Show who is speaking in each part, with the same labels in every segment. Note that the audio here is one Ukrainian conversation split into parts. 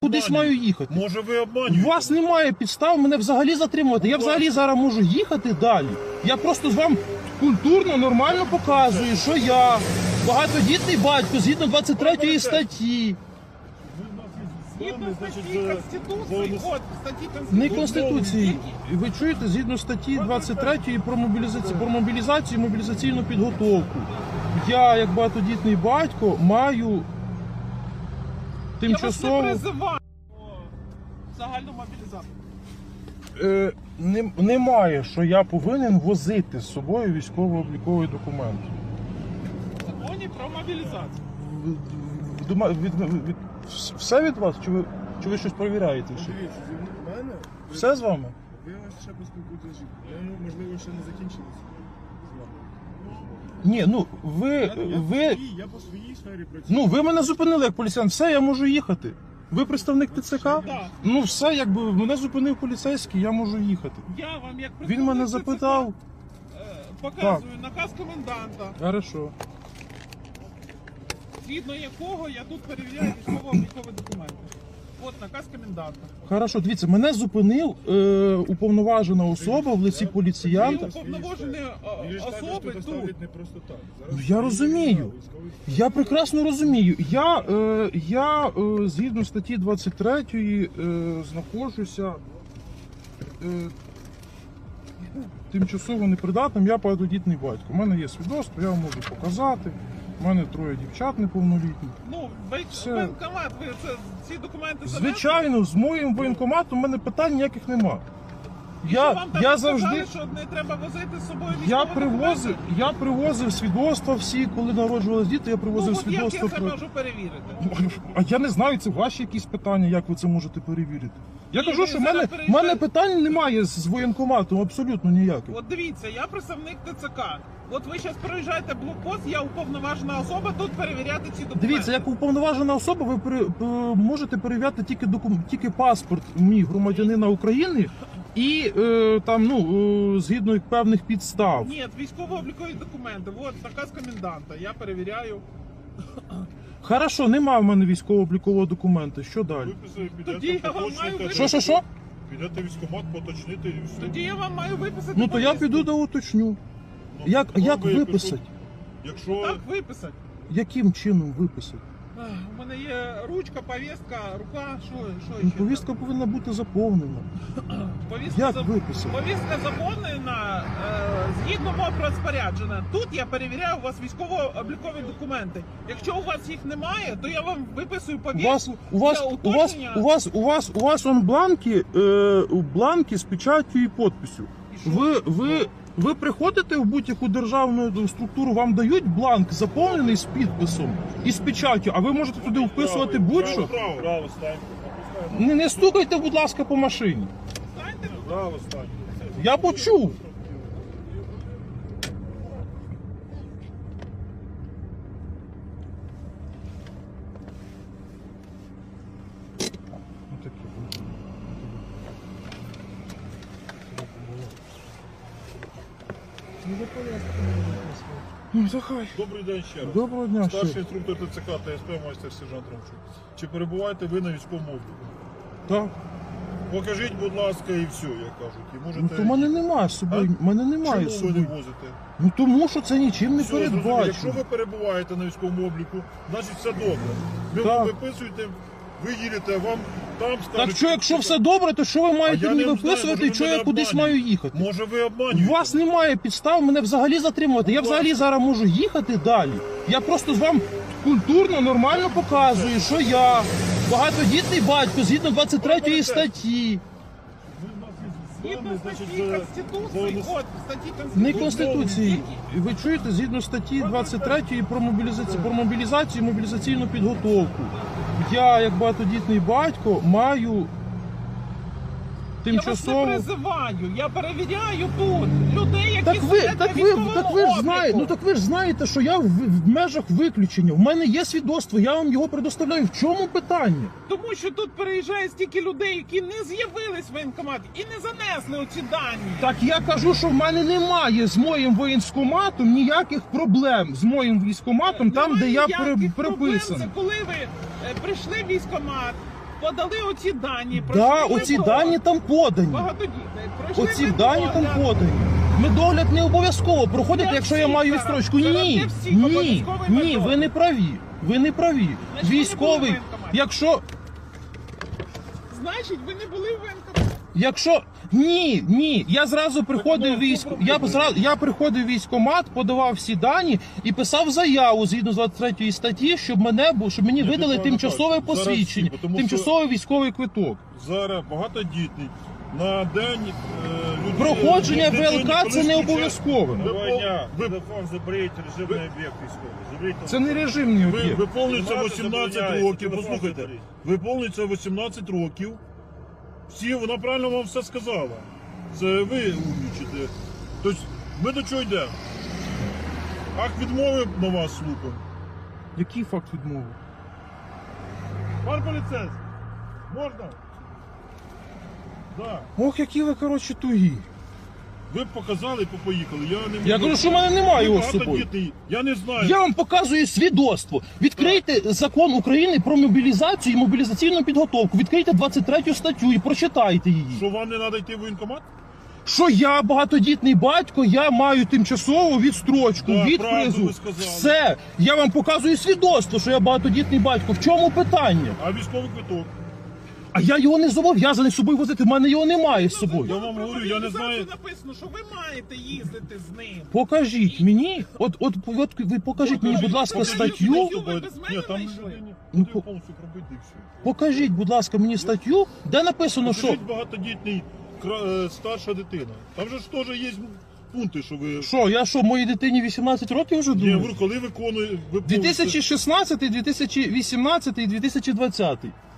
Speaker 1: Кудись маю їхати.
Speaker 2: Може ви обманюєте?
Speaker 1: У вас немає підстав мене взагалі затримувати. Я взагалі зараз можу їхати далі. Я просто з вам культурно, нормально показую, що я багатодітний батько згідно 23 статті.
Speaker 3: Згідно статті Конституції, от, статті
Speaker 1: Не
Speaker 3: Конституції.
Speaker 1: Конституції. Ви чуєте, згідно статті 23 про мобілізацію і мобілізаційну підготовку. Я, як багатодітний батько, маю тимчасово...
Speaker 3: Я вас не призиваю. Загальну мобілізацію.
Speaker 1: Немає, що я повинен возити з собою військово-обліковий документ.
Speaker 3: В законі про мобілізацію.
Speaker 1: Все від вас? Чи ви щось перевіряєте? Ще?
Speaker 4: Дивіться, в мене...
Speaker 1: Все з вами?
Speaker 4: Ви ось ще поспілкуєтеся з жінкою. Я, можливо, ще не закінчилися з вами.
Speaker 1: Ні, ну
Speaker 4: Я по своїй сфері працюю.
Speaker 1: ви мене зупинили як поліціянт. Все, я можу їхати. Ви представник ТЦК?
Speaker 3: Так.
Speaker 1: Ну все, якби мене зупинив поліцейський, я можу їхати.
Speaker 3: Я вам як
Speaker 1: Він мене
Speaker 3: представник
Speaker 1: запитав.
Speaker 3: ТЦК, показую наказ коменданта,
Speaker 1: Хорошо.
Speaker 3: згідно якого я тут перевіряю військово-облікові документи. От наказ коменданта.
Speaker 1: Хорошо, дивіться, мене зупинив уповноважена особа в лиці
Speaker 3: Ви
Speaker 1: поліціянта.
Speaker 3: уповноважені
Speaker 4: Ви ж також
Speaker 3: особи
Speaker 4: тут
Speaker 3: тут.
Speaker 4: ставлять не просто так.
Speaker 1: Ну, я розумію. Я прекрасно розумію. Я згідно статті 23 знаходжуся тимчасово непридатним, я багатодітний батько. У мене є свідоцтво, я вам можу показати. У мене 3 дівчат неповнолітніх.
Speaker 3: Ну,
Speaker 1: Все.
Speaker 3: воєнкомат, ви ці документи занесли?
Speaker 1: Звичайно, з моїм воєнкоматом у мене питань ніяких нема.
Speaker 3: І що вам там
Speaker 1: Я
Speaker 3: сказали,
Speaker 1: завжди...
Speaker 3: що не треба возити з собою
Speaker 1: Я
Speaker 3: військові
Speaker 1: привозив,
Speaker 3: документи?
Speaker 1: я привозив свідоцтва всі, коли народжувалися діти, я привозив
Speaker 3: Ну, от як
Speaker 1: свідоцтва.
Speaker 3: я це можу перевірити?
Speaker 1: А я не знаю, це ваші якісь питання, як ви це можете перевірити. Я
Speaker 3: Ні,
Speaker 1: кажу,
Speaker 3: ви
Speaker 1: що в
Speaker 3: зараз
Speaker 1: мене
Speaker 3: переїжджаєте.
Speaker 1: питань немає з воєнкоматом, абсолютно ніяких.
Speaker 3: От дивіться, я представник ТЦК. От ви зараз проїжджаєте блокпост, я уповноважена особа тут перевіряти ці документи.
Speaker 1: Дивіться, як уповноважена особа, ви можете перевіряти тільки паспорт мій громадянина України і згідно певних підстав.
Speaker 3: Ні, військово-облікові документи. От наказ коменданта. Я перевіряю.
Speaker 1: Хорошо, нема в мене військово-облікового документа. Що далі?
Speaker 3: Тоді я вам маю виписати.
Speaker 1: Що?
Speaker 2: Підете в військкомат, поточнити і все.
Speaker 3: Тоді я вам маю виписати.
Speaker 1: Ну то я
Speaker 3: повістку.
Speaker 1: піду да уточню.
Speaker 2: Ну,
Speaker 1: Як
Speaker 2: ви
Speaker 1: виписати?
Speaker 2: Якщо
Speaker 3: Так виписати.
Speaker 1: Яким чином виписати?
Speaker 3: У мене є ручка, повістка, рука, що
Speaker 1: Ну,
Speaker 3: ще?
Speaker 1: повістка повинна бути заповнена.
Speaker 3: Повістка
Speaker 1: Як виписати?
Speaker 3: Повістка заповнена згідно мого розпорядження. Тут я перевіряю у вас військово-облікові документи. Якщо у вас їх немає, то я вам виписую повістку для уточнення.
Speaker 1: У вас он бланки з печаттю і підписю.
Speaker 3: І що?
Speaker 1: Ви приходите в будь-яку державну структуру, вам дають бланк заповнений з підписом і з печаттю, а ви можете туди вписувати будь-що.
Speaker 2: Право станьте.
Speaker 1: Не стукайте, будь ласка, по машині.
Speaker 3: Станьте,
Speaker 2: Право станьте.
Speaker 1: Я почув. Ну, захай.
Speaker 2: Добрий день ще раз.
Speaker 1: Доброго дня.
Speaker 2: Старший
Speaker 1: ще.
Speaker 2: інструктор ТЦК та СП майстер сержант Ромчук. Чи перебуваєте ви на військовому обліку?
Speaker 1: Так.
Speaker 2: Покажіть, будь ласка, і все, як кажуть. І можете...
Speaker 1: Ну то мене немає з собою. Мене немає з
Speaker 2: Чому ви не
Speaker 1: собою.
Speaker 2: возите?
Speaker 1: Ну тому що це нічим не
Speaker 2: Все, зрозуміло. Якщо
Speaker 1: передбачено.
Speaker 2: ви перебуваєте на військовому обліку, значить все добре. Ви
Speaker 1: Так.
Speaker 2: виписуєте, ви їдете, вам там скажуть...
Speaker 1: Так що, якщо все добре, то що ви маєте
Speaker 2: я
Speaker 1: мені
Speaker 2: не знаю,
Speaker 1: виписувати
Speaker 2: може,
Speaker 1: і
Speaker 2: ви
Speaker 1: що
Speaker 2: мене
Speaker 1: я кудись
Speaker 2: обманюєте.
Speaker 1: маю їхати?
Speaker 2: Може ви
Speaker 1: У
Speaker 2: обманюєте?
Speaker 1: вас немає підстав мене взагалі затримувати. Я взагалі зараз можу їхати далі. Я просто з вам культурно, нормально показую, що я багатодітний батько згідно 23 статті.
Speaker 3: згідно
Speaker 2: Значить,
Speaker 3: статті
Speaker 2: за-
Speaker 3: Конституції.
Speaker 2: за-
Speaker 3: От, статті Конституції.
Speaker 1: Не Конституції. Ви чуєте, згідно статті 23 про мобілізацію і мобілізаційну підготовку. Я, як багатодітний батько, маю
Speaker 3: Я вас
Speaker 1: тимчасово...
Speaker 3: не призиваю, я перевіряю тут людей, які
Speaker 1: Так ви
Speaker 3: сидять на
Speaker 1: ж
Speaker 3: військовому
Speaker 1: знаєте,
Speaker 3: обліку.
Speaker 1: так ви ж знаєте, що я в межах виключення. В мене є свідоцтво, я вам його предоставляю. В чому питання?
Speaker 3: Тому що тут переїжджає стільки людей, які не з'явились в воєнкомат і не занесли оці дані.
Speaker 1: Так я кажу, що в мене немає з моїм воєнкоматом ніяких проблем з моїм військкоматом, там, де я
Speaker 3: Немає ніяких проблем.
Speaker 1: приписаний.
Speaker 3: Це коли ви прийшли в військкомат, подали оці дані.
Speaker 1: Да,
Speaker 3: пройшли
Speaker 1: оці
Speaker 3: ВПО.
Speaker 1: дані там подані.
Speaker 3: Багатодітний. Пройшли
Speaker 1: Оці
Speaker 3: ВПО,
Speaker 1: дані там
Speaker 3: да.
Speaker 1: подані. Медогляд не обов'язково проходити,
Speaker 3: Для
Speaker 1: якщо я
Speaker 3: всіх
Speaker 1: маю
Speaker 3: зараз.
Speaker 1: відстрочку.
Speaker 3: Зараз
Speaker 1: Ні,
Speaker 3: для всіх
Speaker 1: ні,
Speaker 3: обов'язковий
Speaker 1: ні,
Speaker 3: медогляд.
Speaker 1: ви не праві. Ви не праві.
Speaker 3: Значить, ви не
Speaker 1: Військовий,
Speaker 3: були в воєнкоматі. Значить, ви не були в воєнкоматі.
Speaker 1: якщо ні, я зразу приходив я приходив в військкомат, подавав всі дані і писав заяву згідно з 23 статті, щоб мені видали
Speaker 2: правильно
Speaker 1: тимчасове
Speaker 2: кажете. Зараз
Speaker 1: посвідчення,
Speaker 2: всі, тому
Speaker 1: тимчасовий військовий квиток.
Speaker 2: Зараз багатодітний. На день
Speaker 1: Проходження ВЛК це не обов'язково.
Speaker 5: Телефон заберіть, режимний об'єкт військовий. Заберіть
Speaker 1: Це не режимний об'єкт.
Speaker 2: Виповнюється
Speaker 5: Знімати
Speaker 2: 18
Speaker 5: забороняється,
Speaker 2: років.
Speaker 5: телефон
Speaker 2: Послухайте,
Speaker 5: заберіть.
Speaker 2: виповнюється 18 років. Всі, вона правильно вам все сказала. Це ви умнічите. Тобто, ми до чого йдемо? Акт відмови на вас слухаємо.
Speaker 1: Який факт відмови?
Speaker 2: Пан поліцейський, можна? Да.
Speaker 1: Ох, які ви, коротше, тугі.
Speaker 2: Ви б показали, поїхали.
Speaker 1: Я кажу, що в мене немає його з собою.
Speaker 2: Багатодітний. Я не знаю.
Speaker 1: Я вам показую свідоцтво. Відкрийте закон України про мобілізацію і мобілізаційну підготовку. Відкрийте 23 статтю і прочитайте її.
Speaker 2: Що вам не треба йти в воєнкомат?
Speaker 1: Що я багатодітний батько, я маю тимчасову відстрочку
Speaker 2: Так,
Speaker 1: від
Speaker 2: правду
Speaker 1: призу.
Speaker 2: ви сказали.
Speaker 1: Все. Я вам показую свідоцтво, що я багатодітний батько. В чому питання?
Speaker 2: А військовий квиток?
Speaker 1: А я його не зобов'язаний з собою возити. В мене його немає з
Speaker 2: Я
Speaker 1: собою.
Speaker 2: вам говорю, я не знаю.
Speaker 3: Написано, що ви маєте їздити з ним.
Speaker 1: Покажіть мені, от ви покажіть мені, будь ласка, статтю.
Speaker 3: Ви без мене
Speaker 2: Ні, там
Speaker 3: знайшли?
Speaker 2: людині
Speaker 1: Ну,
Speaker 2: потрібно повністю пробити і все.
Speaker 1: Покажіть, будь ласка, мені статтю, де написано, що.
Speaker 2: Покажіть багатодітний старша дитина. Там же ж теж є пункти, що ви...
Speaker 1: Що, моїй дитині 18 років вже
Speaker 2: Ні, я
Speaker 1: думаю?
Speaker 2: говорю, коли виконує...
Speaker 1: 2016, 2018 і 2020.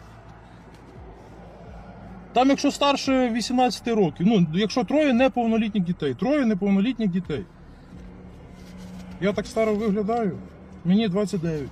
Speaker 1: Там, якщо старше 18 років, ну, якщо троє неповнолітніх дітей. Я так старо виглядаю. Мені 29.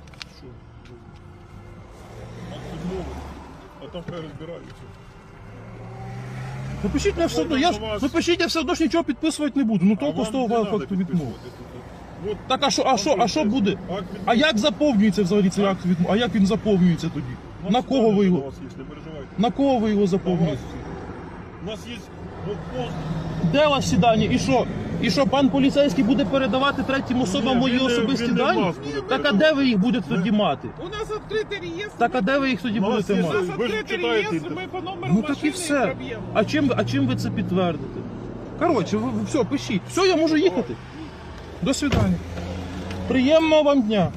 Speaker 2: А там хай розбираються.
Speaker 1: Напишіть мене все одно, я все одно ж нічого підписувати не буду. Ну толку з того факту відмови.
Speaker 2: От,
Speaker 1: Так, а що буде?
Speaker 2: акт відмови.
Speaker 1: А як заповнюється взагалі цей акт відмови? А як він заповнюється тоді? На кого ви
Speaker 2: У
Speaker 1: його?
Speaker 2: вас є, не переживайте.
Speaker 1: На кого ви його
Speaker 2: На вас.
Speaker 1: заповнюєте?
Speaker 2: У нас є блокпост.
Speaker 1: Де у вас всі дані? І що? І що пан поліцейський буде передавати третім особам мої
Speaker 2: Він не-
Speaker 1: особисті
Speaker 2: він не
Speaker 1: дані?
Speaker 2: вас буде
Speaker 1: Так а де ви їх будете тоді мати?
Speaker 3: У нас відкритий реєстр.
Speaker 1: Так а де ви їх тоді
Speaker 2: У нас
Speaker 1: будете
Speaker 2: є-
Speaker 3: У
Speaker 1: мати?
Speaker 3: нас
Speaker 2: Ви ж
Speaker 3: відкритий
Speaker 2: читаєте
Speaker 3: реєстр, ми по номеру
Speaker 1: Ну так і
Speaker 3: машини
Speaker 1: все.
Speaker 3: проб'ємо.
Speaker 1: А чим ви це підтвердите? Коротше, ви все, пишіть. Все, я можу їхати. До свидання. Приємного вам дня.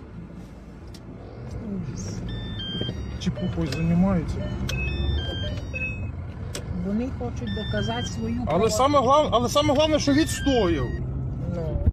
Speaker 1: Чепухою займаються.
Speaker 6: Вони хочуть доказати свою
Speaker 1: Але саме головне, що відстояв.